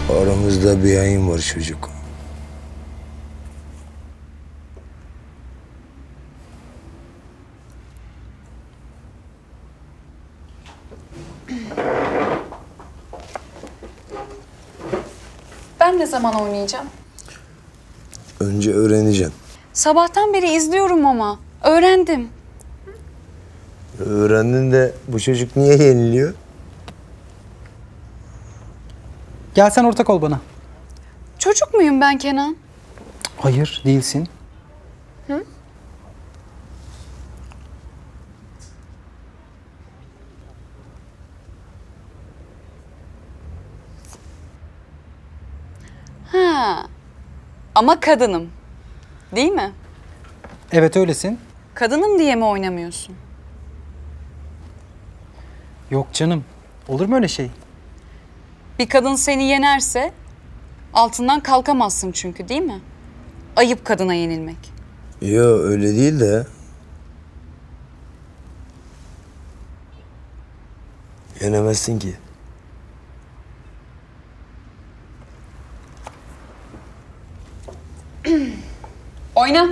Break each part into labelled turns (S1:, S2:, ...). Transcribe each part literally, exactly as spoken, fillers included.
S1: Aramızda bir yayın var çocuk.
S2: Ben ne zaman oynayacağım?
S1: Önce öğreneceğim.
S2: Sabahtan beri izliyorum ama. Öğrendim.
S1: Öğrendin de bu çocuk niye yeniliyor?
S3: Gel sen ortak ol bana.
S2: Çocuk muyum ben Kenan?
S3: Hayır, değilsin.
S2: Ha. Ama kadınım. Değil mi?
S3: Evet öylesin.
S2: Kadınım diye mi oynamıyorsun?
S3: Yok canım. Olur mu öyle şey?
S2: Bir kadın seni yenerse altından kalkamazsın çünkü değil mi? Ayıp kadına yenilmek.
S1: Yo öyle değil de. Yenemezsin ki.
S2: Oyna.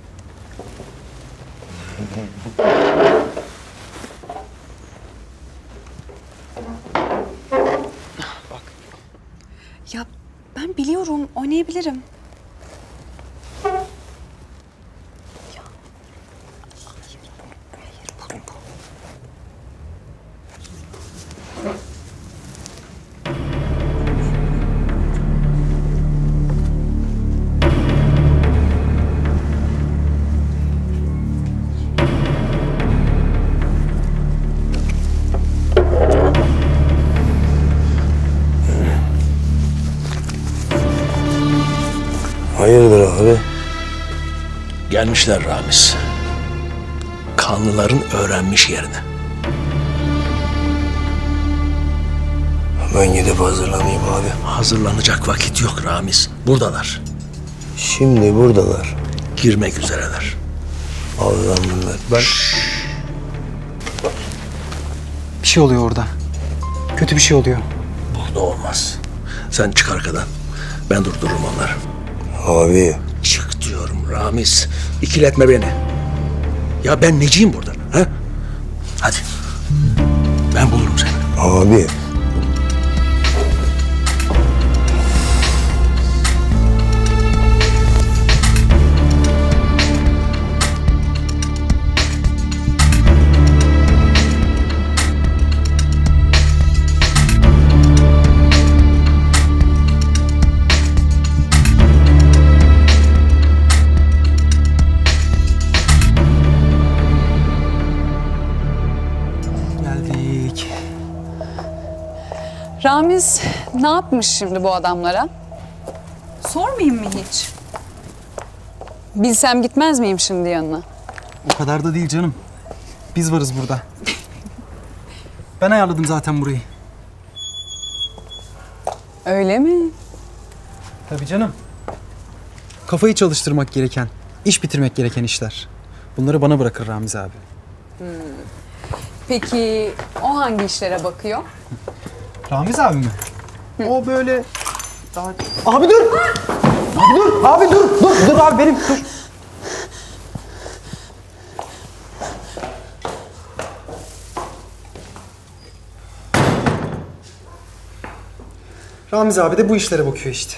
S2: Ya ben biliyorum, oynayabilirim.
S1: Hayırdır abi?
S4: Gelmişler Ramiz. Kanlıların öğrenmiş yerini.
S1: Ben gidip hazırlanayım abi.
S4: Hazırlanacak vakit yok Ramiz. Buradalar.
S1: Şimdi buradalar.
S4: Girmek üzereler.
S1: Allah'ım bunlar. Ben...
S3: Bir şey oluyor orada. Kötü bir şey oluyor.
S4: Burada olmaz. Sen çık arkadan. Ben durdururum onları.
S1: Abi.
S4: Çık diyorum Ramiz. İkiletme beni. Ya ben neciyim burada? Ha? Hadi. Ben bulurum seni.
S1: Abi.
S3: Geldik.
S2: Ramiz ne yapmış şimdi bu adamlara? Sormayayım mı hiç? Bilsem gitmez miyim şimdi yanına?
S3: O kadar da değil canım. Biz varız burada. Ben ayarladım zaten burayı.
S2: Öyle mi?
S3: Tabii canım. Kafayı çalıştırmak gereken, iş bitirmek gereken işler. Bunları bana bırakır Ramiz abi.
S2: Peki o hangi işlere bakıyor?
S3: Ramiz abi mi? O böyle... Daha... Abi dur! Abi dur! Abi dur! Dur! Dur abi benim! Dur! Ramiz abi de bu işlere bakıyor işte.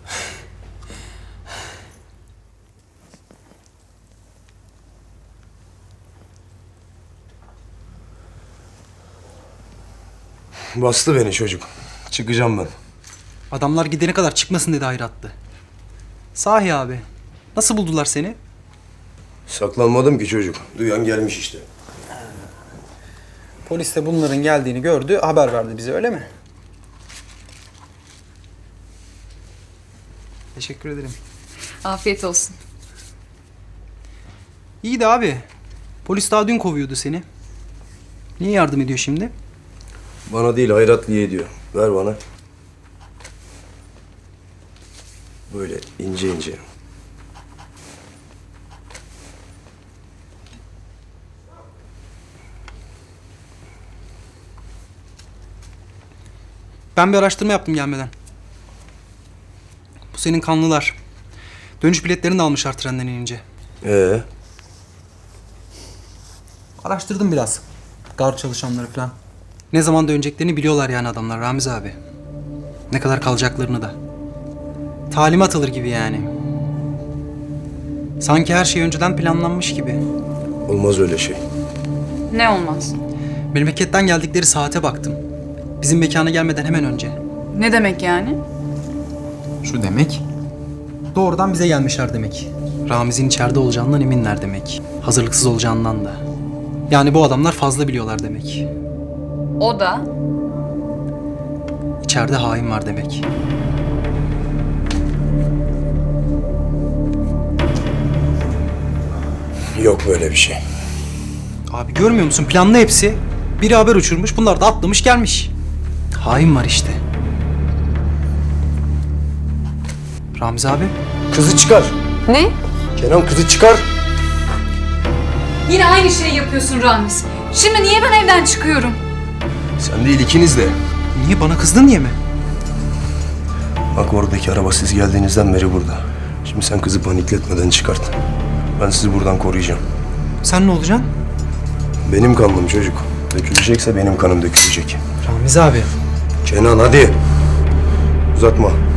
S1: Bastı beni çocuk. Çıkacağım ben.
S3: Adamlar gidene kadar çıkmasın dedi hayratlı. Sahi abi. Nasıl buldular seni?
S1: Saklanmadım ki çocuk. Duyan gelmiş işte.
S3: Polis de bunların geldiğini gördü, haber verdi bize öyle mi? Teşekkür ederim.
S2: Afiyet olsun.
S3: İyi de abi. Polis daha dün kovuyordu seni. Niye yardım ediyor şimdi?
S1: Bana değil Hayratlı'ya diyor. Ver bana. Böyle ince ince.
S3: Ben bir araştırma yaptım gelmeden. senin kanlılar. Dönüş biletlerini de almışlar trenden inince.
S1: Ee,
S3: Araştırdım biraz. Gar çalışanları falan. Ne zaman döneceklerini biliyorlar yani adamlar Ramiz abi. Ne kadar kalacaklarını da. Talimat alır gibi yani. Sanki her şey önceden planlanmış gibi.
S1: olmaz öyle şey.
S2: Ne olmaz?
S3: Memleketten geldikleri saate baktım. Bizim mekana gelmeden hemen önce.
S2: Ne demek yani?
S3: Şu demek. Doğrudan bize gelmişler demek. Ramiz'in içeride olacağından eminler demek. Hazırlıksız olacağından da. Yani bu adamlar fazla biliyorlar demek.
S2: O da
S3: İçeride hain var demek.
S1: Yok böyle bir şey.
S3: Abi görmüyor musun? Planlı hepsi. Biri haber uçurmuş, bunlar da atlamış gelmiş. Hain var işte. Ramiz abi.
S1: Kızı çıkar.
S2: ne?
S1: Kenan kızı çıkar.
S2: Yine aynı şeyi yapıyorsun Ramiz. Şimdi niye ben evden çıkıyorum?
S1: Sen değil ikiniz de.
S3: Niye bana kızdın diye mi?
S1: Bak oradaki araba siz geldiğinizden beri burada. Şimdi sen kızı panikletmeden çıkart. Ben sizi buradan koruyacağım.
S3: Sen ne olacaksın?
S1: Benim kanım çocuk. Dökülecekse benim kanım dökülecek.
S3: Ramiz abi.
S1: Kenan hadi. Uzatma.